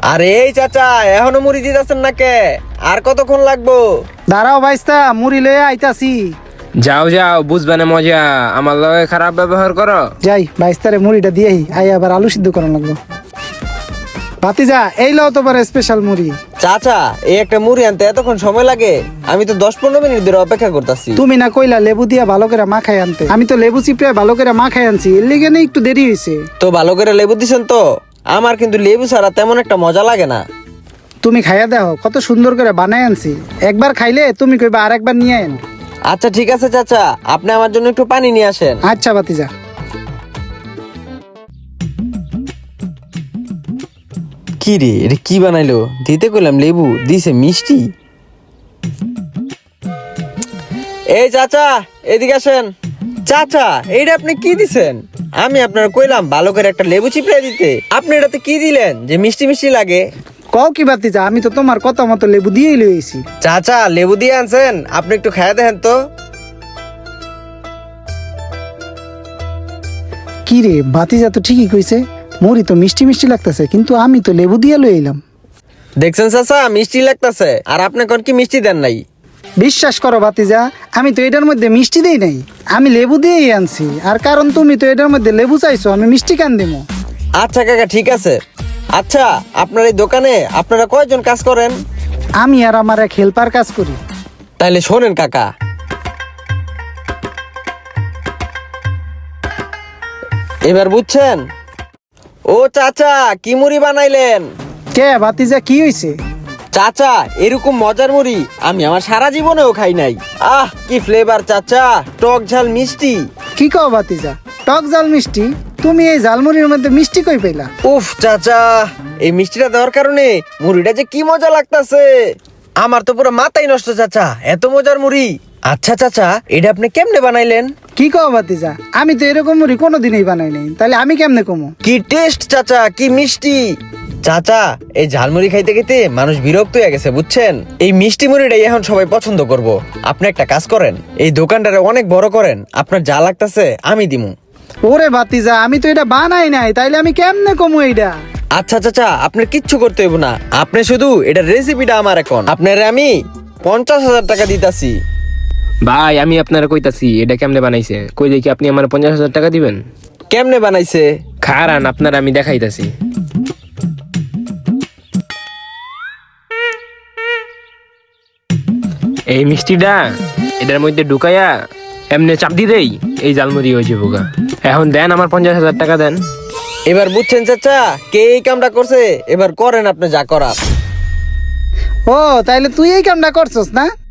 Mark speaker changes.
Speaker 1: আরে এই চাচা, এখনো মুড়ি দিতেছেন না কে? আর কতক্ষণ লাগবো?
Speaker 2: দাঁড়াও ভাইস্তা, মুড়ি লয়ে আইতাছি।
Speaker 3: যাও যাও, বুঝবে না মজা, আমার লগে খারাপ ব্যবহার করো।
Speaker 2: যাই ভাইস্তারে মুড়িটা দিয়েই আই, আবার আলু সিদ্ধ করার লাগবো। ভাতিজা, এই লও তোমার স্পেশাল মুড়ি।
Speaker 1: চাচা, এই একটা মুড়ি আনতে এতক্ষণ সময় লাগে? আমি তো 10-15 মিনিট ধরে অপেক্ষা করতেছি।
Speaker 2: তুমি না কইলা লেবু দিয়া ভালো করে মাখাই আনতে, আমি তো লেবু চিপড়ে ভালো করে মাখাই আনছি, এর লিগে না একটু দেরি হয়েছে।
Speaker 1: তো ভালো করে লেবু দিছেন তো? আমার কিন্তু লেবু ছাড়া তেমন একটা মজা লাগে না।
Speaker 2: তুমি খাইয়া দেখো, কত সুন্দর করে বানাই আনছি। একবার খাইলে তুমি কইবা আর একবার নিয়ে আন।
Speaker 1: আচ্ছা ঠিক আছে চাচা, আপনি আমার জন্য একটু পানি নিয়ে আসেন।
Speaker 2: আচ্ছা ভাতিজা।
Speaker 1: কি রে, এটা কি বানাইলো? দিতে কইলাম লেবু, দিছে মিষ্টি। এই চাচা, এদিকে আসেন। চাচা, এইটা আপনি কি দিছেন? আমি আপনার কইলাম ভালো করে একটা লেবু চিপড়ে দিতে, আপনি এটাতে কি দিলেন যে মিষ্টি মিষ্টি লাগে?
Speaker 2: কও কি ভাতিজা, আমি তো তোমার কথা মতো লেবু দিয়েই লইছি।
Speaker 1: চাচা, লেবু দিয়ে আনছেন, আপনি একটু খাইয়া দেখেন তো।
Speaker 2: কি রে, ভাতিজা তো ঠিকই কইছে, মুড়ি তো মিষ্টি মিষ্টি লাগতেছে, কিন্তু আমি তো লেবু দিয়ে লই এলাম।
Speaker 1: দেখছেন চাচা, মিষ্টি লাগতেছে, আর আপনি কোন কি মিষ্টি দেন নাই?
Speaker 2: বিশ্বাস করো ভাতিজা, আমি তো এটার মধ্যে মিষ্টি দেই নাই, আমি লেবু দিয়েই আনছি। আর কারণ তুমি তো এটার মধ্যে লেবু চাইছো, আমি মিষ্টি কেন দেবো?
Speaker 1: আচ্ছা কাকা, ঠিক আছে। আচ্ছা, আপনার এই দোকানে আপনারা কয়জন কাজ করেন?
Speaker 2: আমি আর আমার এক হেল্পার কাজ করি।
Speaker 1: তাইলে শোনেন কাকা, এবার বুঝছেন? ও চাচা, কি মুড়ি বানাইলেন?
Speaker 2: কে ভাতিজা, কি হইছে?
Speaker 1: চাচা, এরকম মজার মুড়ি আমি আমার সারা জীবনেও খাই নাই। আহ, কি ফ্লেভার চাচা, টক ঝাল মিষ্টি।
Speaker 2: কি কও ভাতিজা, টক জাল মিষ্টি? তুমি এই ঝালমুড়ির মধ্যে মিষ্টি কই পেলা?
Speaker 1: উফ চাচা, এই মিষ্টিটা দেওয়ার কারণে মুড়িটা যে কি মজা লাগতাছে, আমার তো পুরো মাথাই নষ্ট চাচা, এত মজার মুড়ি। আচ্ছা চাচা, এটা আপনি কেমনে বানাইলেন?
Speaker 2: কি কও ভাতিজা, আমি তো এরকম মুড়ি কোনোদিনই বানাই নাই, তাহলে আমি কেমনে কমো?
Speaker 1: কি টেস্ট চাচা, কি মিষ্টি। চাচা, এই ঝালমুড়ি খাইতে খাইতে মানুষ বিরক্ত হয়ে গেছে বুঝছেন। এই মিষ্টি মুড়িটাই এখন সবাই পছন্দ করব। আপনি একটা কাজ করেন, এই দোকানটারে অনেক বড় করেন, আপনার যা লাগতাছে আমি দিমু।
Speaker 2: ওরে ভাতিজা, আমি তো এটা বানাই নাই, তাইলে আমি কেমনে কমো এইটা?
Speaker 1: আচ্ছা চাচা, আপনার কিচ্ছু করতে হইব না, আপনি শুধু এটার রেসিপিটা আমার এখন আপনারে আমি 50,000 টাকা দিতাছি।
Speaker 3: ভাই, আমি আপনারা কইতাছি এটা কেমনে বানাইছে, কই দেখি আপনি আমার 50,000 টাকা দিবেন।
Speaker 1: কেমনে বানাইছে?
Speaker 3: খারান, আপনারা আমি দেখাইতাছি। এই মিষ্টিটা এটার মধ্যে ঢুকাইয়া এমনি চাপ দিতেই এই জালমুড়ি হয়ে যাবো গা। এখন দেন, আমার 50,000 টাকা দেন।
Speaker 1: এবার বুঝছেন চাচা, কে এই কামটা করছে? এবার করেন আপনি যা করার।
Speaker 2: ও, তাইলে তুই এই কামটা করছস না?